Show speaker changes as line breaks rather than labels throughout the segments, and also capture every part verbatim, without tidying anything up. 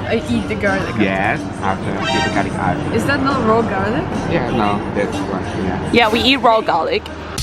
I eat the garlic.
Yes, after eat the garlic out.
Is that not raw garlic?
Yeah, no, that's one. Yeah.
Yeah, we eat raw garlic.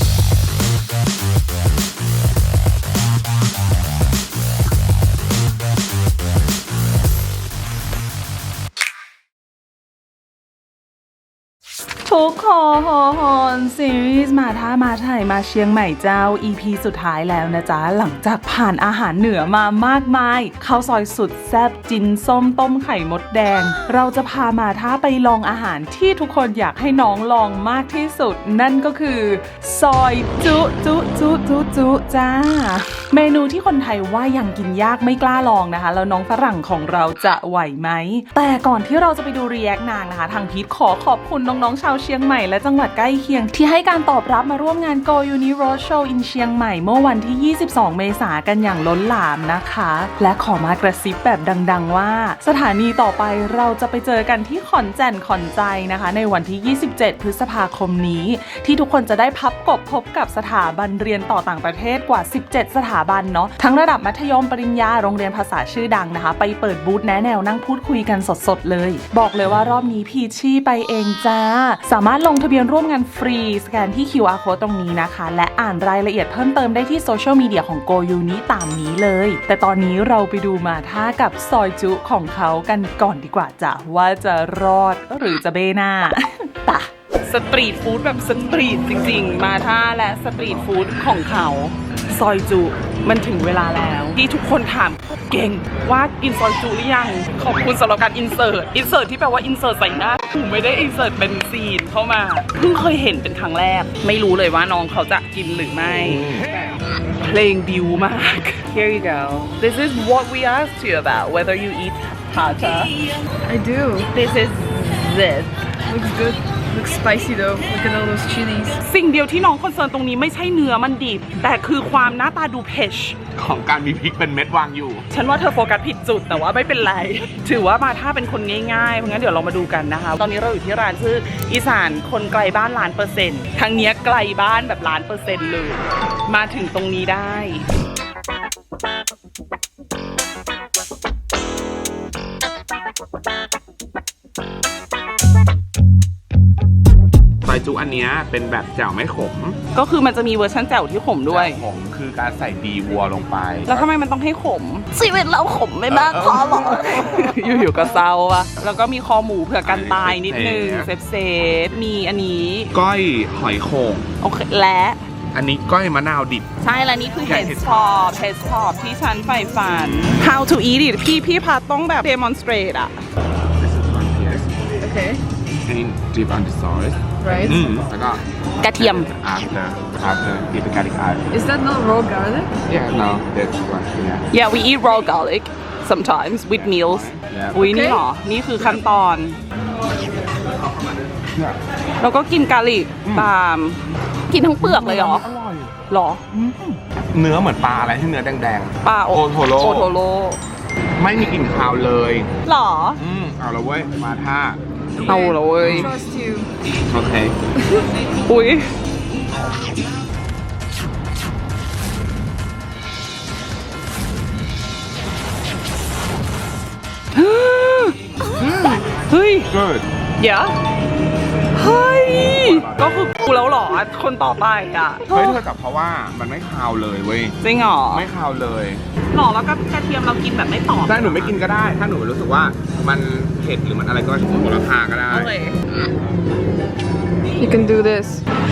ทุกคนซีรีส์มาท่ามาไทยมาเชียงใหม่เจ้า อี พี สุดท้ายแล้วนะจ๊ะหลังจากผ่านอาหารเหนือมามากมายข้าวซอยสุดแซ่บจินส้มต้มไข่มดแดงเราจะพามาท่าไปลองอาหารที่ทุกคนอยากให้น้องลองมากที่สุดนั่นก็คือซอยจุจุจุจุจุจ้าเมนูที่คนไทยว่ายังกินยากไม่กล้าลองนะคะแล้วน้องฝรั่งของเราจะไหวไหมแต่ก่อนที่เราจะไปดูรีแอคนางนะคะทางพีทขอขอบคุณน้องๆชาวเชียงใหม่และจังหวัดใกล้เคียงที่ให้การตอบรับมาร่วมงาน Go Uni Roadshow in เชียงใหม่เมื่อวันที่ยี่สิบสองเมษายนกันอย่างล้นหลามนะคะและขอมากระซิบแบบดังๆว่าสถานีต่อไปเราจะไปเจอกันที่ขอนแก่นขอนใจนะคะในวันที่ยี่สิบเจ็ดพฤษภาคมนี้ที่ทุกคนจะได้พับกบพบกับสถาบันเรียนต่อต่างประเทศกว่าสิบเจ็ดสถาบันเนาะทั้งระดับมัธยมปริญญาโรงเรียนภาษาชื่อดังนะคะไปเปิดบูธแนะแนวนั่งพูดคุยกันสดๆเลยบอกเลยว่ารอบนี้พีชี่ไปเองจ้าสามารถลงทะเบียนร่วมงานฟรีสแกนที่ คิว อาร์ Code ตรงนี้นะคะและอ่านรายละเอียดเพิ่มเติมได้ที่โซเชียลมีเดียของ Go Uni ตามนี้เลยแต่ตอนนี้เราไปดูมาท่ากับซอยจุของเขากันก่อนดีกว่าจ้ะว่าจะรอดหรือจะเบหน้า ตะสตรีทฟู้ดแบบสตรีทจริงๆมาท่าและสตรีทฟู้ดของเขาซอยจุมันถึงเวลาแล้วที่ทุกคนถามเก่งว่ากินซอยจุหรือยังขอบคุณสำหรับการอินเสิร์ตอินเสิร์ตที่แปลว่าอินเสิร์ตใส่หน้าผมไม่ได้อินเสิร์ตเป็นซีนเข้ามาเพิ่งเคยเห็นเป็นครั้งแรกไม่รู้เลยว่าน้องเขาจะกินหรือไม่เพลงบิวมาก Here you go This is what we asked you about whether you eat pata
I do.
This is this
Looks good. Looks spicy though. Look at all those chilies.
สิ่งเดียวที่น้องคอนเซิร์นตรงนี้ไม่ใช่เนื้อมันดิบแต่คือความหน้าตาดูเผ็ด
ของการมีพริกเป็นเม็ดวางอยู่
ฉันว่าเธอโฟกัสผิดจุดแต่ว่าไม่เป็นไรถือว่ามาถ้าเป็นคนง่ายๆเพราะงั้นเดี๋ยวเรามาดูกันนะคะตอนนี้เราอยู่ที่ร้านชื่ออีสานคนไกลบ้านล้านเปอร์เซ็นต์ทางเนี้ยไกลบ้านแบบล้านเปอร์เซ็นต์เลยมาถึงตรงนี้ได้
ซอยจุอันเนี้ยเป็นแบบแจ่วไม่ขม
ก็คือมันจะมีเวอร์ชันแจ่วที่ขมด้วย
ขมคือการใส่ดีวัวลงไป
แล้วทำไมมันต้องให้ขมชีวิตเราขมไม่มากพอหรออยู่ๆก็เศร้าอะแล้วก็มีคอหมูเผื่อกันตายนิดนึงเซฟเซฟมีอันนี้
ก้อยหอยโข่ง
โอเคและ
อันนี้ก้อยมะนาวดิบ
ใช่แล้วนี่คือ head top head top ที่ฉันใฝ่ฝัน how to eat it พี่พี่พัดต้องแบบ demonstrate อะ
This is one here
Okay.
and dip on the sauce
Right.
อืมแล้วก็
กระเทียม
after after eat the garlic out
Is that not raw garlic?
yeah no that's one yeah
yeah we eat raw garlic sometimes with meals อุ้ยนี่หรอนี่คือขั้นตอนแล้วก็กินกาลิกตามกินทั้งเปลือกเลยเหรอ
อร่อย
หรอ
เนื้อเหมือนปลาอะไรที่เนื้อแดง
ๆปลาโอ
โทโร่
โอโทโร่
ไม่มีกลิ่นคาวเลย
หรอ
อืมเอาละเว้ยมาท่า
เอาละเว้ย
Trust you.
โอเค
อุ้ยเฮ้ย
good
เดี๋ยวเฮ้ยก็คือกูแล้วหรอคนต่อไปอ่ะ
เฮ้ยเธอจับเพราะว่ามันไม่คาวเลยเว้ย
จริงหรอ
ไม่คาวเลย
หรอแล้วก็กระเทียมเรากินแบบไม่ตอบ
ได้หนูไม่กินก็ได้ถ้าหนูรู้สึกว่ามันเผ็ดหรือมันอะไรก็โหระพาก็ได้
You can do this.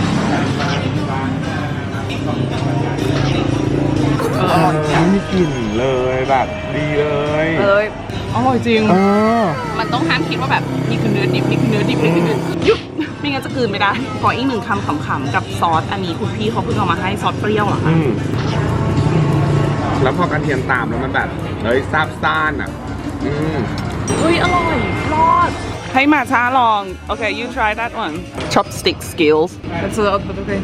ไม่มีกลิ่นเลยแบบดีเลย
เอ้ยอร่อยจริง
เออ
มันต้องห้ามคิดว่าแบบนี่คือเนื้อดิบนี่คือเนื้อดิบนี่คือเนื้อยุบไม่งั้นจะกลืนไม่ได้ขออีกหนึ่งคำขำๆกับซอสอันนี้คุณพี่เขาเพิ่งเอามาให้ซอสเปรี้ยวเหรอคะ
แล้วพอกระเทียมตามแล้วมันแบบเฮ้ยซาบซ่านอ่ะอืม
เฮ้ยอร่อยรอดให้มาช้าลองโอเค you try that one chopstick skills
That's a lot, but okay.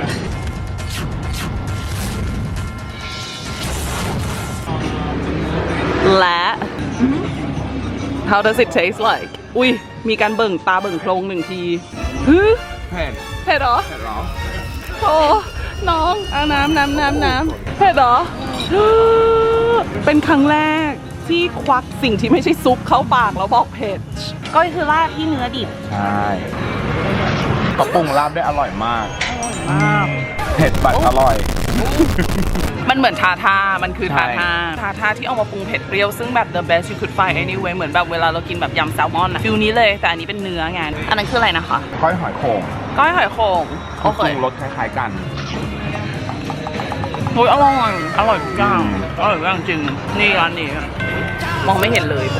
และ How does it taste like อุ้ยมีการเบิ่งตาเบิ่งโพรงหนึ่งทีฮึ
เผ็ด
เผ็ดเหรอ
เผ็ดเหรอ
โอ้น้องเอาน้ำน้ำน้ำน้ำเผ็ดเหรอเป็นครั้งแรกที่ควักสิ่งที่ไม่ใช่ซุปเข้าปากแล้วบอกเผ็ดก็คือลาบที่เนื้อดิบ
ใช่ก็ปรุงลาบได้อร่อยมาก
มาก
เผ็ดบัดอร่อย
มันเหมือนทาทามันคือ
ใช่
ทาทาทาทาที่เอามาปรุงเผ็ดเปรี้ยวซึ่งแบบ the best you could find anyway เหมือนแบบเวลาเรากินแบบยำแซลมอนอะฟิลนี้เลยแต่อันนี้เป็นเนื้อไงอันนั้นคืออะไรนะคะ
ก้อยหอยโข่ง
ก้อยหอยโข่งโอเค
ปรุงรสคล้ายๆกัน
โอ้ยอร่อยอร่อยทุกอย่างอร่อยทุกอย่างจริงนี่ร้านนี้มองไม่เห็นเลย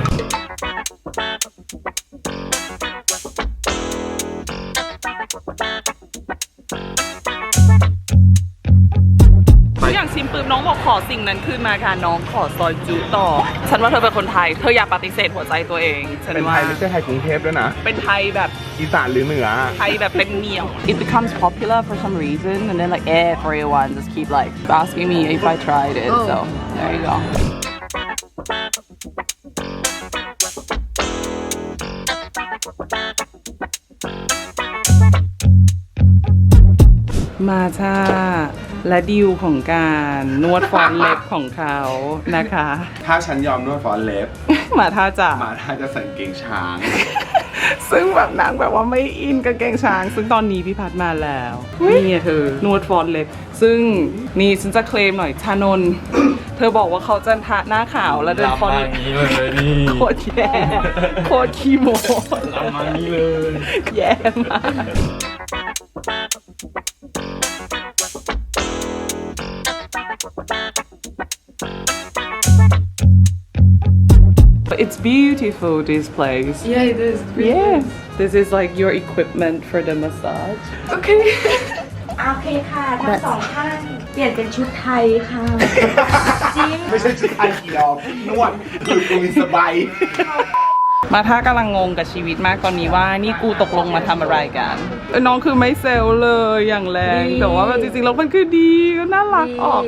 อย่างชิมปืมน้องบอกขอสิ่งนั้นขึ้นมาค่ะน้องขอซอยจุต่อฉันว่าเธอเป็นคนไทยเธออย่าปฏิเสธหัวใจตัวเองฉัน
เป็นไท
ว่าย
ไม่ใช่ไทยกรุงเทพด้วยนะ
เป็นไทยแบบ
อีสานหรือเหนือ
ไทยแบบเป็นเหนียว It becomes popular for some reason and then like everyone just keep like asking me if I tried it so there you goมาช่าและดิวของการนวดฟอนเล็บของเขานะคะ
ถ้าฉันยอมนวดฟอนเล็บ
มาท่าจะ
มาถ้าจะใส่กางเกงช้าง
ซึ่งแบบนางแบบว่าไม่อินกับเกงช้าง ซึ่งตอนนี้พี่พัดมาแล้วนี่ไงเธอนวดฟอนเล็บซึ่งนี่ฉันจะเคลมหน่อยชานนท์เธอบอกว่าเขาจะทาหน้าขาวแล้วเดินฟอน
อย่างนี้เลยนี่
โคตรแย่โคตรขี้โม
ทำมานี้เลย
แย่มาก It's beautiful this place.
Yeah, it is.
Yeah, this is like your equipment for the massage.
Okay.
โอเคค่ะทั้งสองท่านเปลี่ยนเป็นชุดไทยค่ะ จริง
ไม่ใช่ชุดไทยเกี่ยวนวดคือกูมีสบาย
มาท่ากำลังงงกับชีวิตมากตอนนี้ว่านี่กูตกลงมาทำอะไรกันเอ้ยน้องคือไม่เซลเลยอย่างแรง
ดี
แต่ว่าแบบจริงๆแล้วมันคือดีก็น่ารักออก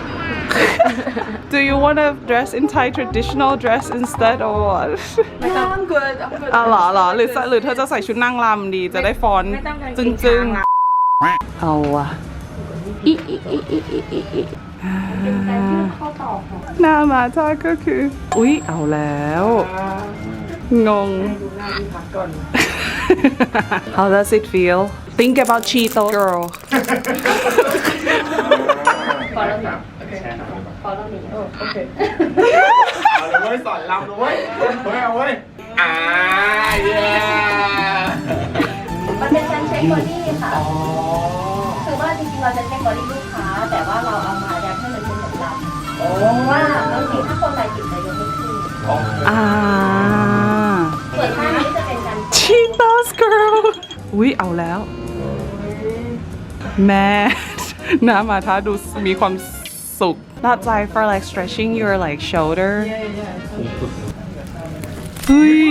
Do you want to dress in Thai traditional dress instead or what?
No, I'm good. I'm good.
อ๋อเหรอเหรอหรือหรือเธอจะใส่ชุดนางรำดีจะได้ฟอนต์
ไม่ต้องกางเก
จึง
ง
จึง
ช้าง
ๆเอาอะ
อีอีอีอีอีอีอีเป็นการยื่นข้อต่อของ
หน้ามาท่าก็คือ อุ๊ย เอาแล้ว งง How does it feel? Think about Cheeto girl.
พอแล้วหนีพอแล้วหนีโอ้โอเค
เอาเลยเว้ยสอนรำเลยเว้ยเฮ้ยเอาเว้ยอ่าเย้
มันเป็นการเช็คบอดี้ค่ะคือว่าจริงๆเราจะเช็คบอดี้ลูกค้า แต่ว่าเราเอามายัดให้มันเป็นเหมือนลำเพราะว่าบางทีถ้าคนใดติดใจยกไม่ขึ้น
อ่า
ส่วนท่านี้จะเป็นการ
Cheetos girl อุ๊ย เอาแล้ว แม่ หน้ามาท่าดูมีความสุข That's like for like stretching your like shoulder เฮ้ย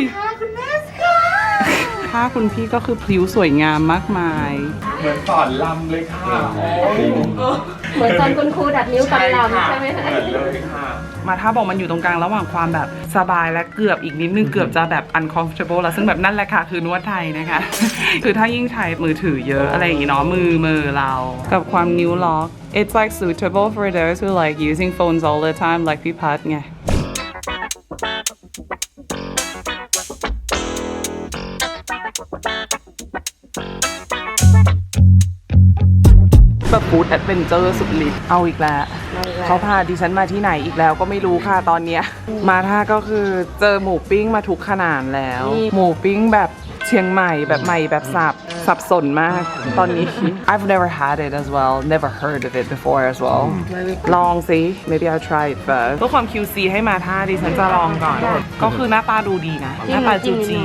ถ้าคุณพี่ก็คือพลิ้วสวยงามมากมาย
เหมือนสอนรำเลยค่ะ
เหมือนตอนคุณครูดัดนิ้วตอนลำใช่ไหมคะ
เหมือนเลยค่ะ
มาถ้าบอกมันอยู่ตรงกลางระหว่างความแบบสบายและเกือบอีกนิดนึงเกือบจะแบบ uncomfortable แล้วซึ่งแบบนั่นแหละค่ะคือนวดไทยนะคะ คือถ้ายิ่งใช้มือถือเยอะอะไรอย่างงี้เนาะมือมือเรา กับความนิ้วล็อก it's like suitable for those who like using phones all the time like พี่พัดไง แบบฟู้ดแอดเวนเจอร์สุดฤทธิ์เอาอีกแล้ว เขาพาดิฉันมาที่ไหนอีกแล้วก็ไม่รู้ค่ะตอนเนี้ยมาท่าก็คือเจอหมูปิ้งมาทุกขนาดแล้ว หมูปิ้งแบบเชียงใหม่แบบใหม่แบบสับสับสนมากตอนนี้ I've never had it as well never heard of it before as well ลองสิ maybe I'll try it first เพื่อความ คิว ซี ให้มาท่าดิฉันจะลองก่อน ก็คือหน้าตาดูดีนะ หน้าตาจูจี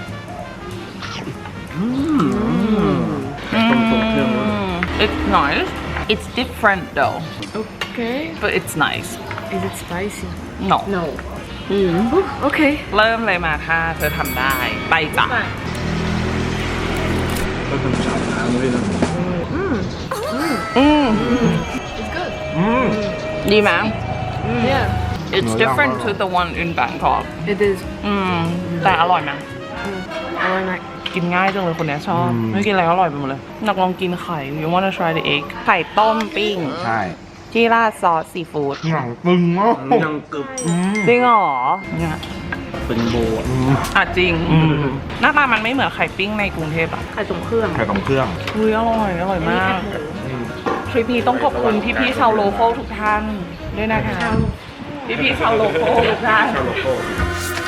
It's nice. It's different though,
Okay.
but it's nice.
Is it spicy?
No.
no
Okay.
เริ่มเลยมาค่ะเธอทำได้ ไปจ้ะ อืม
It's good.
ดีไหม
Yeah.
It's different to the one in Bangkok.
It is.
อืม แต่อร่อยไหม
I like.
กินง่ายจังเลยคนเนี้ยชอบ ไม่กินอะไรก็อร่อยไปหมดเลยอยากลองกินไข่ You wanna try the egg ไข่ต้มปิ้ง
ใช่
ที่ราดซอสซีฟู้ด
หนังปึงมาก
ยังกึบ
จริงเหรอเนี่ย
เป็นโบอะ
อ่ะจริง หน้าตามันไม่เหมือนไข่ปิ้งในกรุงเทพอะ
ไข่ตรงเครื่อง
ไข่ตรงเครื่อง
อุ้ยอร่อย อร่อยมาก ทริปนี้ต้องขอบคุณพี่ๆชาวโลคอลทุกท่านด้วยนะคะ พี่ๆชาวโลคอลทุกท่าน
ชาโลโก้